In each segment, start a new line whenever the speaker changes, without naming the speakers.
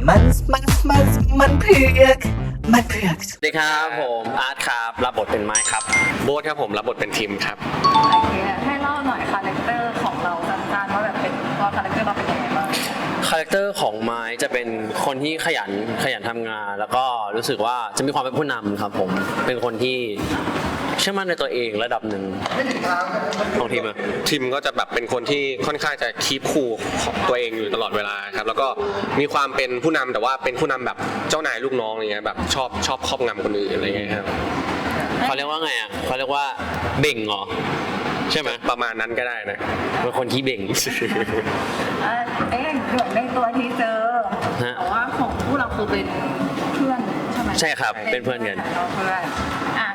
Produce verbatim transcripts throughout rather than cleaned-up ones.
มันมันมันมันเผือกมันเผือก
สวัสดีครับผมอาร์ตครับรับบทเป็นไม้ครับโบ๊ทครับผมรับบทเป็นทิมครับ
โอเคให้เล่าหน่อยคาแรคเตอร์ของเราสั้นๆว่าแบบเป็นว่าคาแรคเตอร์เราเป็นยังไงบ้าง
คาแรคเตอร์ของไม้จะเป็นคนที่ขยันขยันทำงานแล้วก็รู้สึกว่าจะมีความเป็นผู้นำครับผมเป็นคนที่เชื่อมั่นในตัวเองระดับหนึ่งของทีมอะ
ทีมก็จะแบบเป็นคนที่ค่อนข้างจะคีปคูลของตัวเองอยู่ตลอดเวลาครับแล้วก็มีความเป็นผู้นำแต่ว่าเป็นผู้นำแบบเจ้านายลูกน้องอย่างเงี้ยแบบชอบชอบครอบงำคนอื่นอะไรเงี้ยครับ
เขาเรียกว่าไงอ่ะเขาเรียกว่าเบ่งเหรอใช่ไหม
ประมาณนั้นก็ได้นะ
เป็นคนที่เบ่ง
เอ๊ะเหมือนในตัวทีเจอแต่ว่าของผู้เราคือเป็นเพื่อนใช่ไหม
ใช่ครับเป็นเพื่อนกัน
เพื่อนอ่ะ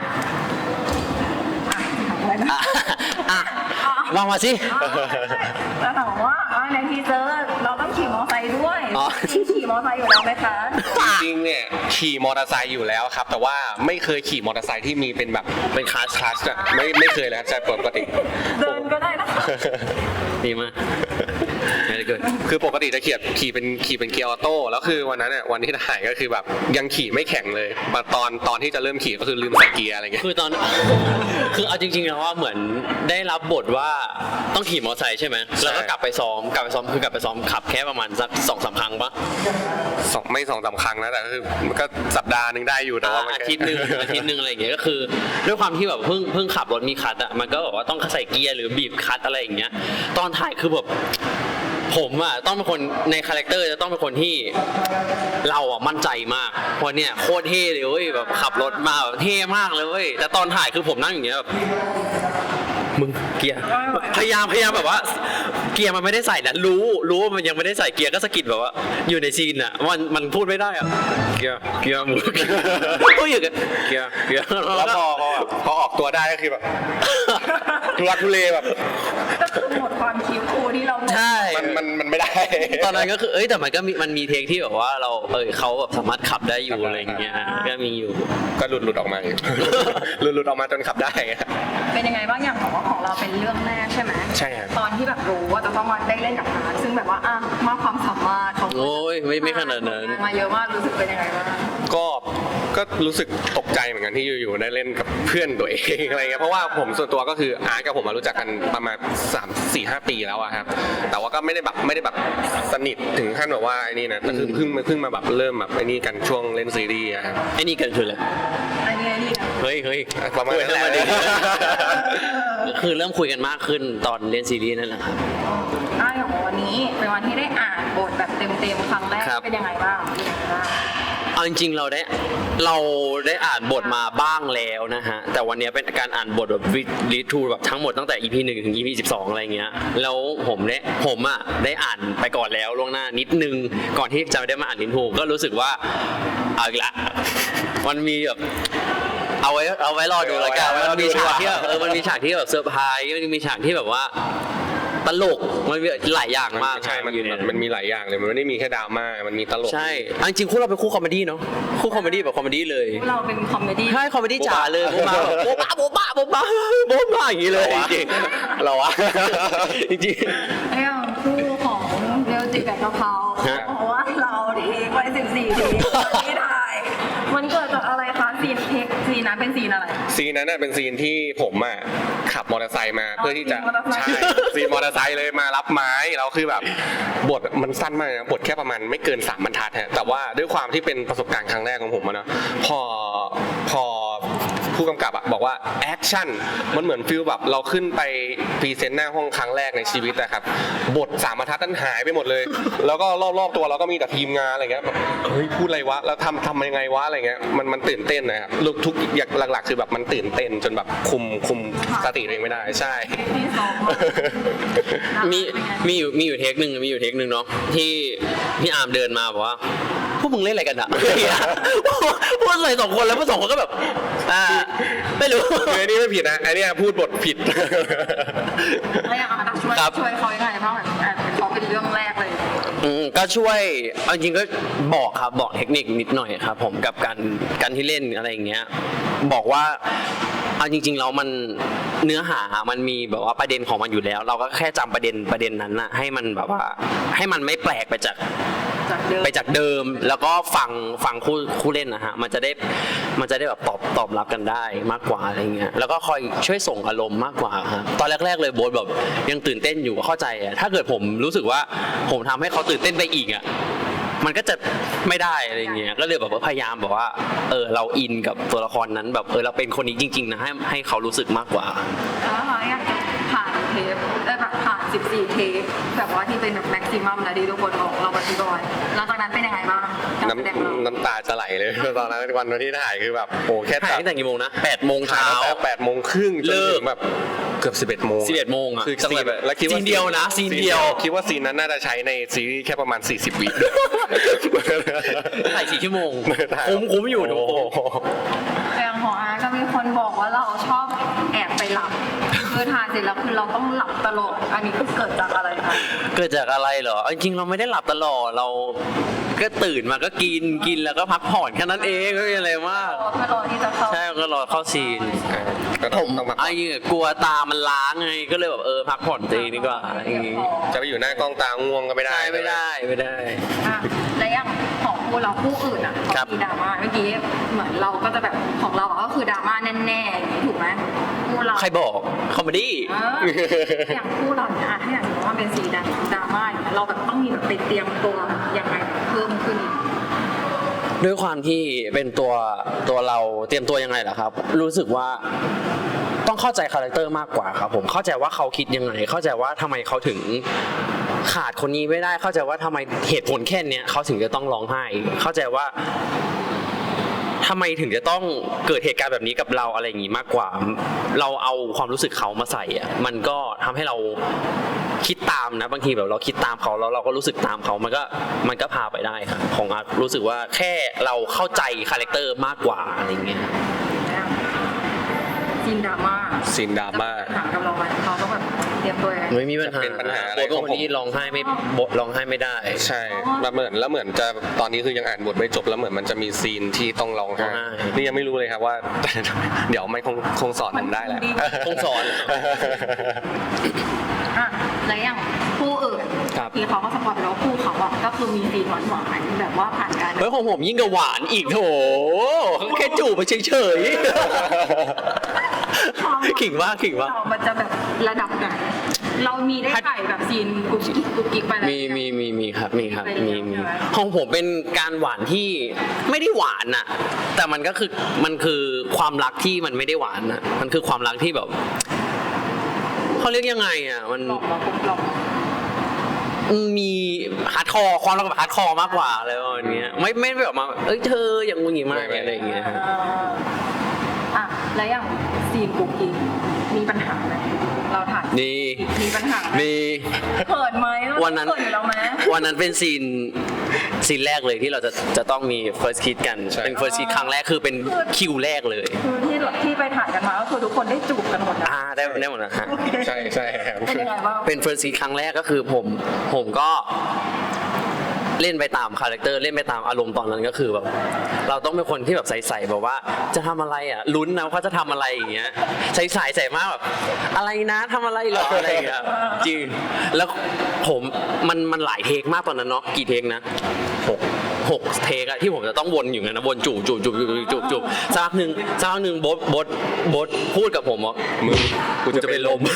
อ่ะวางมาสิ
แล้วถามว่าในทีเซอร์เราต้องขี่มอเตอร์ไซค์ด้วยขี่มอเตอร์ไซค์อยู่แล้วไหมคะ
จริงๆเนี่ยขี่มอเตอร์ไซค์อยู่แล้วครับแต่ว่าไม่เคยขี่มอเตอร์ไซค์ที่มีเป็นแบบเป็นคลาสคลาสอ่ะไม่ไม่เคยเลยครับจะปกติ
เดินก็ได้นะ
ดีมากไม่เกิด
คือปกติจะขี่ขี่เป็นขี่เป็นเกียร์ออโต้แล้วคือวันนั้นเนี่ยวันที่ถ่ายก็คือแบบยังขี่ไม่แข็งเลยตอนตอนที่จะเริ่มขี่ก็คือลืมใส่เกียร์อะไรเงี้ย
คือตอนคือเอาจริงๆแล้วว่าเหมือนได้รับบทว่าต้องขี่มอเตอร์ไซค์ใช่ไหมแล้วก็กลับไปซ้อมกลับไปซ้อมคือกลับไปซ้อมขับแค่ประมาณสักสองสามครั้งปะ
สองไม่สองสามครั้งนะแต่คือมันก็สัปดาห์นึงได้อยู่แต่ว่า
อาทิตย์นึงอาทิตย์นึงอะไรอย่างเงี้ยก็คือด้วยความที่แบบเพิ่งเพิ่งขับรถมีคัทอ่ะมันก็แบบว่าต้องใส่เกียร์หรือบีบคัทอะไรอย่างเงี้ยตอนถ่ายคือแบบผมอ่ะต้องเป็นคนในคาแรคเตอร์จะต้องเป็นคนที่เราอ่ะมั่นใจมากเพราะเนี่ยโคตรเท่เลยเว้ยแบบขับรถมาแบบเท่มากเลยเว้ยแต่ตอนถ่ายคือผมนั่งอย่างเงี้ยแบบมึงเกียร์พยายามพยายามแบบว่าเกียร์มันไม่ได้ใส่นะรู้รู้ว่ามันยังไม่ได้ใส่เกียร์ก็สะกิดแบบว่าอยู่ในซีนอ่ะมันมันพูดไม่ได้อ่ะเกียร์เกียร์มึงก็อยู่กันเกียร์เกียร์
แล้วพอพอพอออกตัวได้ก็คือแบบทุลักทุเลแบบ
ก็คือหมดความคิวคูที่เรา
ใช่
มันมันมันไม่ได้
ตอนนั้นก็คือเอ้ยแต่มันก็มีมันมีเทคที่แบบว่าเราเออเขาแบบสามารถขับได้อยู่อะไรอย่างเงี้ยก็มีอยู่
ก็หลุดหลุดออกมาหลุดหลุดออกมาจนขับได้
เป็นยังไงบ้างอย่างของของเราเป็นเรื่องแรกใช่ไหม
ใช่ครับ
ตอนที่แบบรู้ว่าจะต้องมาได้เล่นกับอาร์ตซึ่งแบบว่าอ่ะมากความสามารถเขา
โอ้ยไม่ไม่ขนาดนั้น
มาเยอะมากรู้สึกเป็นยังไงบ้าง
ก็ก็รู้สึกตกใจเหมือนกันที่อยู่ๆได้เล่นกับเพื่อนตัวเองอะไรเงี้ยเพราะว่าผมส่วนตัวก็คืออาร์ตกับผมมารู้จักกันประมาณสามสี่ห้าปีแล้วอะครับแต่ว่าก็ไม่ได้แบบไม่ได้แบบสนิทถึงขั้นแบบว่าไอ้นี่นะแต่คือเพิ่งเพิ่งมาแบบเริ่มแบบไอ้นี่กันช่วงเล่นซีรีส์ครับ
ไอ้นี่กันคืออะไร
ไอ้นี่ไอ้นี่
เฮ้ยเฮ้ย
ประมาณนั้นแหละ
คือเริ่มคุยกันมากขึ้นตอนเล่นซีรีส์นั่นแหละครับ
อ่าอย่างวันนี้เป็นวันที่ได้อ่านบทแบบเต็มๆครั้งแรกเป็นยังไงบ้าง
เอาจริงๆเราได้เราได้อ่านบทมาบ้างแล้วนะฮะแต่วันนี้เป็นการอ่านบทแบบรีทูแบบทั้งหมดตั้งแต่ อี พี หนึ่งถึง อี พี สิบสองอะไรเงี้ยแล้วผมได้ผมอ่ะได้อ่านไปก่อนแล้วล่วงหน้านิดนึงก่อนที่จะได้มาอ่านรีทูก็รู้สึกว่าเอาอีกละมันมีแบบเอาไว้เอาไว้รอดูแล้วกันมันมีฉากที่แบบเออมันมีฉากที่แบบเซอร์ไพรส์มันมีฉากที่แบบว่าตลกมันมีหลายอย่างมาก
ใช่มันมันมีหลายอย่างเลยมันไม่ได้มีแค่ดราม่ามันมีตลก
ใช่จริงๆคู่เราเป็นคู่คอมเมดี้เนาะคู่คอมเมดี้แบบคอมเมดี้เลย
เราเป็นคอมเมดี้
ใช่คอมเมดี้จ๋าเลยโบ๊ะมาโบ๊ะบ้าโบ๊ะบ้าโบ๊ะบ้าโบ๊ะบ้าอย่างนี้เลยจริงๆเราอะจริง
ๆไอ้คู่ของเมลจิกับกะเพราเพราะว่าเราดีไปสิบสี่ทีที่ถ่ายมันเกิดจากอะไรคะซีนเทคซีนนั้นเป็นซีนอะไร
ซีนนั้นน่ะเป็นซีนที่ผมอ่ะขับมอเตอร์ไซค์มาเพื่อที่จะใช่ซีนมอเตอร์ไซค์เลยมารับไม้แล้วคือแบบบทมันสั้นมากนะบทแค่ประมาณไม่เกินสามบรรทัดฮะแต่ว่าด้วยความที่เป็นประสบการณ์ครั้งแรกของผมนะพอพอผู้กำกับอ่ะบอกว่าแอคชั่นมันเหมือนฟิลแบบเราขึ้นไปพรีเซนต์หน้าห้องครั้งแรกในชีวิตนะครับบทสามบรรทัดนั้นหายไปหมดเลยแล้วก็รอบๆตัวเราก็มีแต่ทีมงานอะไรเงี้ยแบบเฮ้ยพูดอะไรวะแล้วทำทำยังไงวะอะไรเงี้ยมันมันตื่นเต้นนะครับทุกอย่างหลักๆคือแบบมันตื่นเต้นจนแบบคุมคุมสติตัวเองไม่ได้ใช่
มีมีอยู่มีอยู่เทคหนึ่งมีอยู่เทคหนึ่งเนาะที่พี่อาร์มเดินมาบอกว่าพวกมึงเล่นอะไรกันอะพูดใส่สองคนแล้วพวกสองคนก็แบบอ่าไม่รู้
ไอ้นี่ไม่ผิดนะไอ้นี่พูดบทผิด
แล้วอย่างอาร์ตช่วยช่วยเขายังไงบ้างแบบเขาเป็นเรื่องแรกเลย
อืมก็ช่วยเอาจริงก็บอกครับบอกเทคนิคนิดหน่อยครับผมกับการการที่เล่นอะไรอย่างเงี้ยบอกว่าเอาจริงๆแล้วมันเนื้อหามันมีแบบว่าประเด็นของมันอยู่แล้วเราก็แค่จำประเด็นประเด็นนั้นนะให้มันแบบว่าให้มันไม่แปลกไปจาก
จากเดิม
ไปจากเดิมแล้วก็ฟังฟังคู่คู่เล่นนะฮะมันจะได้มันจะได้แบบตอบตอบรับกันได้มากกว่าอะไรเงี้ยแล้วก็คอยช่วยส่งอารมณ์มากกว่าครับตอนแรกๆเลยโบ๊ทแบบยังตื่นเต้นอยู่เข้าใจอะถ้าเกิดผมรู้สึกว่าผมทำให้เขาตื่นเต้นไปอีกอะมันก็จะไม่ได้อะไรเงี้ยก็เลยแบบว่าพยายามแบบว่าเออเราอินกับตัวละครนั้นแบบเออเราเป็นคนนี้จริงๆนะให้ให้เขารู้สึกมากกว่า
แล้วเราอยากจะผ่านเทปได้แบบผ่านสิบสี่เทปแบบว่าที่เป็นแบบแม็กซิมัมนะที่ทุกคนบอกเราปฏิบัติหลังจากนั้นเป็นยังไงบ้างการแสดงเรา
น้ำน้ำตาจะไหลเลย ตอนนั้นวันวันที่ถ่ายคือแบบโอ้แค่
ถ่ายตั้งแต่กี่โมงนะแปดโมง
ถ่าย
เช้า
ตั้งแต่แปดโมงครึ่งจน
เลิก
ถึงแบบเกือบสิบเอ็ดโมง
สิบเอ็ดโมงอะ
คือ
จัง
ซี
หวะ
น
แบบ
แล้วคิดว่า
ซีนเดียวนะซีนเดียว
คิดว่าซีนนั้นน่าจะใช้ในซีรีส์แค่ประมาณสี่สิบวิ
ถ่ายสี่ชั่วโมง
ถ่าย
คุ้มคุ้มอยู่ทุกคน
โอ้โห
อย่างของอาก็มีคนบอกว่าเราชอบแอบไปหลับคือทานเสร็จแล้วคือเราต้องหลับตลอดอันนี้คือเกิดจากอะไรคะ
เกิดจากอะไรเหรอเอาจริงๆเราไม่ได้หลับตลอดเราก็ตื่นมาก็กินกินแล้วก็พักผ่อนแค่นั้นเองไม่มีอะไรมาก
เพื่อรอที่จะเข้า
ใช่ก็รอเข้าซีน
ก็ต้องต้องมา
ไอ้เนี่ยกลัวตามันล้างไงก็เลยแบบเออพักผ่อนตัวเองดีกว่าอย่างงี้
จะไปอยู่หน้ากล้องตาง่วงก็ไม่ได้
ใช่ไม่ได้ไม่ได้
อ่ะและอย่างของคู่เราคู่อื่นอ่ะ
ครับ
เขามีดราม่าเมื่อกี้เหมือนเราก็จะแบบของเราอะก็คือดราม่าแน่ๆอย่างนี้ถูกไหมคู่เรา
ใครบอกคอมเมดี้
เอออย่างคู่เราเนี่ยอ่ะถ้าอย่างสมมติว่าเป็นสีดดราม่าอย่างเงี้ยเราแบบต้องมีแบบไปเตรียมตัวยังไงเพิ่มขึ้นอีก
ด้วยความที่เป็นตัวตัวเราเตรียมตัวยังไงล่ะครับ รู้สึกว่าต้องเข้าใจคาแรคเตอร์มากกว่าครับผมเข้าใจว่าเขาคิดยังไง เข้าใจว่าทำไมเขาถึงขาดคนนี้ไม่ได้ เข้าใจว่าทำไมเหตุผลแค่เนี้ยเขาถึงจะต้องร้องไห้ เข้าใจว่าทำไมถึงจะต้องเกิดเหตุการณ์แบบนี้กับเราอะไรอย่างงี้มากกว่า เราเอาความรู้สึกเขามาใส่อ่ะมันก็ทำให้เราคิดตามนะบางทีแบบเราคิดตามเขาแล้วเราก็รู้สึกตามเขามันก็มันก็พาไปได้ครับของอาร์ตรู้สึกว่าแค่เราเข้าใจคาแรคเตอร์มากกว่าอะไรเงี้ย
ซีนดราม่า
ซีนดราม่า
ถามกับเราไหมเราต้องแบบเตรียมตัวยังไง
ไม่มีปัญหา
เป็นปัญหาอะไร
โบ๊ท
ของผม
เป็นคนที่ร้องไห้ไม่บทร้องไห้ไม่ได้
ใช่แล้วเหมือนแล้วเหมือนจะตอนนี้คือยังอ่านบทไม่จบแล้วเหมือนมันจะมีซีนที่ต้องร้องไห้
ร้องไห้
นี่ยังไม่รู้เลยครับว่า เดี๋ยวมันคงคงสอนผมได้แหละ
คงสอน
อ่ะแล้วอย่างคู่อื่น
ครับ
ที่เขาก็สปอยไปแล้ววาคู่เขาอะก็คือมีซีนหวานหวานๆแบบว่าผ่านการ
เฮ้ยของผมยิ่งกับหวานอีกโถแค่จูบไปเฉยๆขิงว่าขิงว่า
เรามันจะแบบระดับไหนเรามีได้ถ่ายแบบซีนกุ๊กกิ๊กกุ๊กกิ๊กไปแล้ว
มีมีมีมีครับมีครับ
เป็น
มี
ยังไง
มี
ใช่ไหม
ของผมเป็นการหวานที่ไม่ได้หวานน่ะ แต่มันก็คือมันคือความรักที่มันไม่ได้หวานน่ะมันคือความรักที่แบบเขาเรียกยังไงอ่ะมัน
หลอกเราปุ๊บหลอก
มีฮาร์ดคอร์ความรักแบบฮาร์ดคอร์มากกว่าอะไรประมาณเนี้ยไม่ไม่แบบมาเอ้ยเธออย่างงูงี้มากอะไรอย่างเงี้ยฮะ
อ่ะแล้วอย่างซีนกุ๊กกิ๊กมีปัญหาไหมเราถ่าย
ดี
มีปัญหาไหม
มี
เขินไหม
วันนั้น
เขินอยู่แล้วไหม
วันนั้นเป็นซีนซีนแรกเลยที่เราจะจะต้องมี first kiss กัน
ใช่
เป็น first kiss ครั้งแรกคือเป็นคิวแรกเลย
คือที่ที่ไปถ่ายกันมาก็คือทุกคนได้จูบกันหมดนะ
อ่าได้ได้หมดนะฮะ
ใช่ใช่ครับ
เป็นยังไงบ้าง
เป็น first kiss ครั้งแรกก็คือผมผมก็เล่นไปตามคาแรคเตอร์เล่นไปตามอารมณ์ตอนนั้นก็คือแบบเราต้องเป็นคนที่แบบใสๆแบบว่าจะทำอะไรอ่ะลุ้นนะว่าเขาจะทำอะไรอย่างเงี้ยใสๆใส่มากแบบอะไรนะทำอะไรเหรออะไรอย่างเงี้ยจริงแล้วผมมันมันหลายเทคมากตอนนั้นเนาะกี่เทคนะหกหกเทคอะที่ผมจะต้องวนอยู่ไงนะวนจูบจูบจูบจูบจูบจูบสักพักหนึ่งสักพักหนึ่งบดบดบดพูดกับผมว่า
มึงกูจะเป็นลม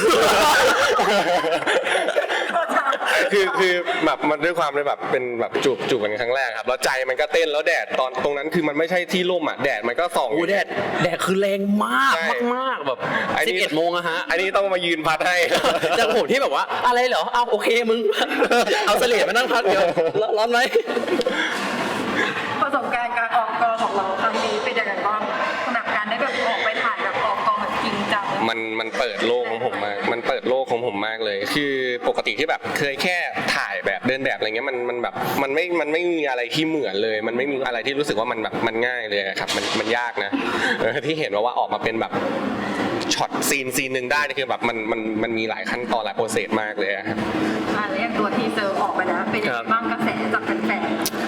คือคือแบบมันด้วยความเลยแบบเป็นแบบจูบจูบกันครั้งแรกครับแล้วใจมันก็เต้นแล้วแดดตอนตรงนั้นคือมันไม่ใช่ที่ร่มอ่ะแดดมันก็ส่อง
โอ้แดดแดดคือแรงมาก
ใช่
มากๆแบบ
ไอ้นี่
สิบเอ็ดโมงอะฮะ
อันนี้ต้องมายืนพัดให้
จากผมที่แบบว่าอะไรเหรอเอาโอเคมึง เอาเสลี่ยมานั่งพักเดี๋ยวร้อนไหม
ประสบการณ์การออกกองของเราครั้งนี้เป็นยังไงบ้างสำหรับการได้แบบออกไปถ่ายแบบออกกองแบบจริงจัง
มันมันเปิดโลกของผมมากมันเปิดโลกของผมมากเลย คือปกติที่แบบเคยแค่ถ่ายแบบเดินแบบอะไรเงี้ยมันมันแบบมันไม่มันไม่มีอะไรที่เหมือนเลย มันไม่มีอะไรที่รู้สึกว่ามันแบบมันง่ายเลยอะครับมันมันยากนะเออที่เห็นว่าว่าออกมาเป็นแบบช็อตซีนซีนหนึ่งได้นี่คือแบบมันมันมันมีหลายขั้นตอนหลายโปรเซสมากเลยอะครับ
อ่ะแล้วอย่างตัวทีเซอร์ออกไปแล้วเป็นยังไงบ้างกระแสจากแฟน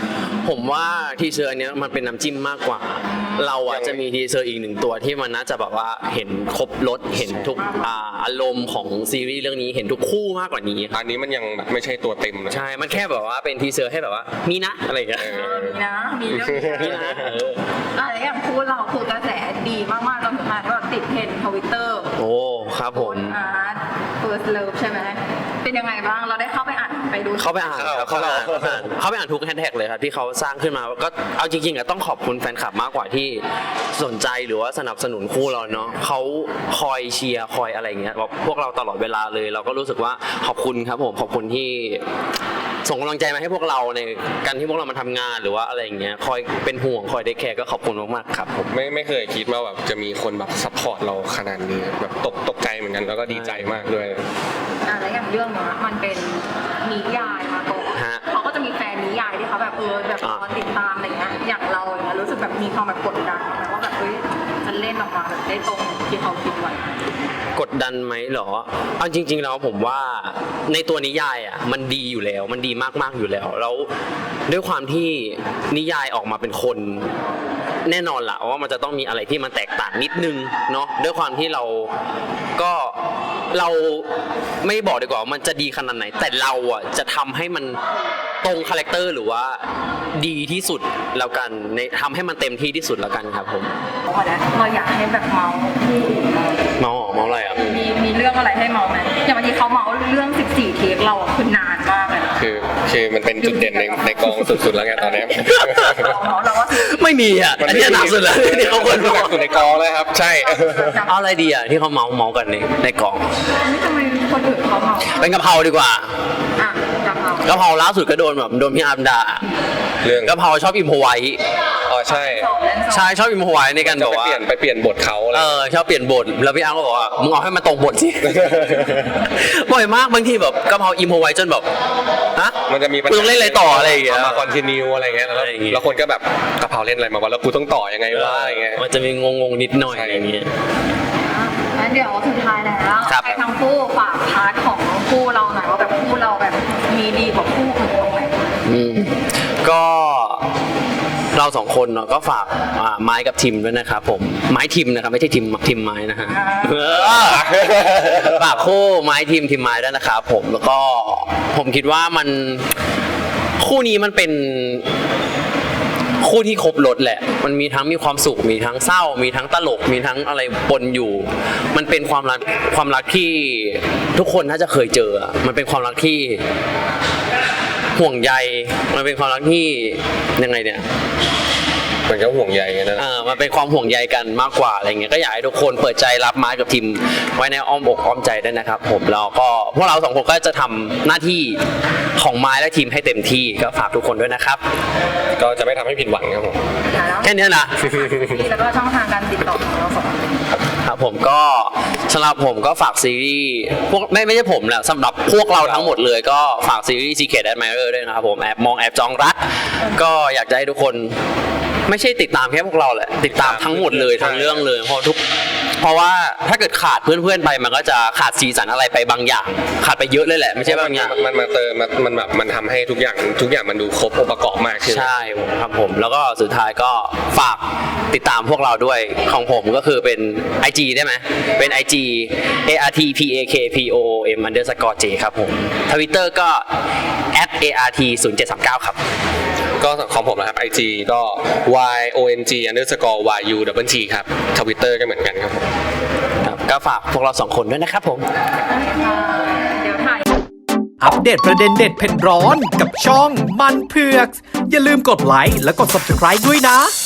ผมว่าทีเซอร์อันเนี้ยมันเป็นน้ำจิ้มมากกว่า เราอ่ะจะมีทีเซอร์อีกหนึ่งตัวที่มันน่าจะแบบว่าเห็นครบรสเห็นทุกอ่าอารมณ์ของซีรีส์เรื่องนี้เห็นทุกคู่มากกว่านี้
อันนี้มันยังแบบไม่ใช่ตัวเต็มนะ
ใช่ มันแค่แบบว่าเป็นทีเซอร์ให้แบบว่ามีนะอะไรอย่างเงี้ย
เออมีนะ มีเรื่องนี้
มีนะเออ
อะไรอย่างพูดเราคือกระแสดีมากๆจนถึงขนาดว่าติดเทรนด์ทวิตเตอร์
โอ้ครับผม
อาร์ต First Love ใช่ไหมเป็นยังไงบ้างเราได้เข้าไปอ่านไปดู
เข้าไปอ่านครับเข้าไปอ่านเข้าไปอ่านเข้าไปอ่านทุกแฮชแท็กเลยครับที่เขาสร้างขึ้นมาก็เอาจริงๆอะต้องขอบคุณแฟนคลับมากกว่าที่สนใจหรือว่าสนับสนุนคู่เราเนาะเขาคอยเชียร์คอยอะไรอย่างเงี้ยแบบพวกเราตลอดเวลาเลย เราก็รู้สึกว่าขอบคุณครับผมขอบคุณที่ส่งกำลังใจมาให้พวกเราในการที่พวกเรามาทำงานหรือว่าอะไรอย่างเงี้ยคอยเป็นห่วงคอยได้แคร์ก็ขอบคุณมากๆครับผม
ไม่ไม่เคยคิดว่าแบบจะมีคนแบบซัพพอร์ตเราขนาดนี้แบบตกตกใจเหมือนกันแล้วก็ดีใจมากด้วย
อ่าแล้วอย่างเรื่องเนี้ยมันเป็นนิยายมาก่อน
ฮะ
เขาก็จะมีแฟนนิยายที่เขาแบบเออแบบรอติดตามอะไรเงี้ยอย่างเราอย่างเงี้ยรู้สึกแบบมีความแบบกดดันไหมว่าแบบเฮ้ยจะเล่นออกมาแบบได้ตรงที่เขาคิดไว้
กดดันไหมเหรอเอาจริงๆแล้วผมว่าในตัวนิยายอ่ะมันดีอยู่แล้วมันดีมากๆอยู่แล้วแล้วด้วยความที่นิยายออกมาเป็นคนแน่นอนละว่ามันจะต้องมีอะไรที่มันแตกต่างนิดนึงเนาะด้วยความที่เราก็เราไม่บอกดีกว่าว่ามันจะดีขนาดไหน แต่เราอ่ะจะทำให้มันตรงคาแรคเตอร์หรือว่าดีที่สุดแล้วกันในทำให้มันเต็มที่ที่สุดแล้วกันครับผม
วันนี้เราอยากให้แบบเมาส์คู่อื่นเรา
เมาเมาอะไรอ่ะ
มีมีเรื่องอะไรให้เมาส์ไหมอย่างบางทีเขาเมาส์เรื่องสิบสี่เทคเราอะคือนานมากเลยนะ
คือคือมันเป็นจุดเด่นในในกองสุดๆแล้วไงตอนนี้
เราเมาส์เราว่าสิบสี่
ไม่มีอ่ะอันนี้หนักสุดแล้วที่เขาคน
หนักสุดในกองเลยครับ ใช่
เอาอะไรดีอ่ะที่เขาเมาเมากันในในกล่อง
ไม่ทำไมคนอื่นเขาเมาส์
เป็นกะเพราดีกว่า
อ่ะกะเพราก
ะเพราล่าสุดก็โดนแบบโดนพี่อาร์มด่า
เรื่อง
กะเพราชอบอิมพอไว้
อ๋อใช่
สองเล่นสอง
ใช่ชอบอิมพอไว้ในการ
จะ
บอก
ไป
ว่า
เปลี่ยนไปเปลี่ยนบทเขาอะไร
เออชอบเปลี่ยนบทแล้วพี่อาร์มก็บอกว่ามึงเอาให้มันตรงบทสิ บ่อยมากบางทีแบบกะเพราอิมพอไว้จนแบบฮะ
มันจะมีปัญ
กู
หา
ต้องเล่นอะไรต่ออะไรอย่างเงี้ย
มาคอนติเนียอะไรเงี้ยแล้ว
อะไรอย่างเงี้ย
แล้วคนก็แบบกะเพราเล่นอะไรมาวะแล้วกูต้องต่อยังไงวะอะไรเงี้ย
มันจะมีงงๆนิดหน่อยอะไรอย่างเงี้ย
งั้นเดี๋ยวสุดท้ายแล้ว
ครับ
ให้ทั้งคู่ฝากพาร์ทของคู่เราหน่อยว่าแบบคู่เราแบบมีดีกว่าคู่อื่นตรงไหน
อืมก็เราสองคนเนาะก็ฝากอ่าไม้กับทิมด้วยนะครับผมไม้ทิมนะครับไม่ใช่ทิมทิมไม้นะฮะเออฝากคู่ไม้ทิมทิมไม้ด้วยนะครับผมแล้วก็ผมคิดว่ามันคู่นี้มันเป็นคู่ที่ครบรสแหละมันมีทั้งมีความสุขมีทั้งเศร้า มีทั้งตลกมีทั้งอะไรปนอยู่ มันเป็นความรักความรักที่ทุกคนน่าจะเคยเจออะมันเป็นความรักที่ห่วงใยมันเป็นความรักที่ยังไงเนี่ย
มันก็ห่วงใยกันนะ
เออมันเป็นความห่วงใยกันมากกว่าอะไรเงี้ยก็อยากให้ทุกคนเปิดใจรับไม้กับทีมไว้ในอ้อมอกอ้อมใจด้วยนะครับผมแล้วก็พวกเราสองคนก็จะทำหน้าที่ของไม้และทีมให้เต็มที่ก็ฝากทุกคนด้วยนะครับ
ก็จะไม่ทำให้ผิดหวังครับผม
แล้ว
แค่นี้นะ
แล้วก็ช่องทางการติดต่อของเราสองคน
ครับผมก็สำหรับผมก็ฝากซีรีส์พวกไม่ไม่ใช่ผมแหละสำหรับพวกเราทั้งหมดเลยก็ฝากซีรีส์ Secret Admirer ด้วยนะครับผมแอบมองแอบจองรักก็อยากจะให้ทุกคนไม่ใช่ติดตามแค่พวกเราแหละติดตามทั้งหมดเลยทั้งเรื่องเลยเพราะทุกเพราะว่าถ้าเกิดขาดเพื่อนๆไปมันก็จะขาดสีสันอะไรไปบางอย่าง ขาดไปเยอะเลยแหละไม่ใช่บางอย่าง
มันมาเติมมันมันแบบมันทำให้ทุกอย่างทุกอย่างมันดูครบองค์ประกอบมากขึ้น
ใช่ครับผมแล้วก็สุดท้ายก็ฝากติดตามพวกเราด้วยของผมก็คือเป็น ไอ จี ได้ไหมเป็น ไอ จี เอ อาร์ ที พี เอ เค พี โอ โอ เอ็ม underscore j ครับผม Twitter ก็ แอท เอ อาร์ ที ศูนย์ เจ็ด สาม เก้า ครับ
ก็ของผมนะครับ ไอ จี ก็ y o n g underscore y u double t ครับ Twitter ก็เหมือนกันครับผม
ครับก็ฝากพวกเราสองคนด้วยนะครับผม
เดี๋ยวถ่าย
อัปเดตประเด็นเด็ดเผ็ดร้อนกับช่องมันเผือก อย่าลืมกดไลค์และกด ซับสไครบ์ ด้วยนะ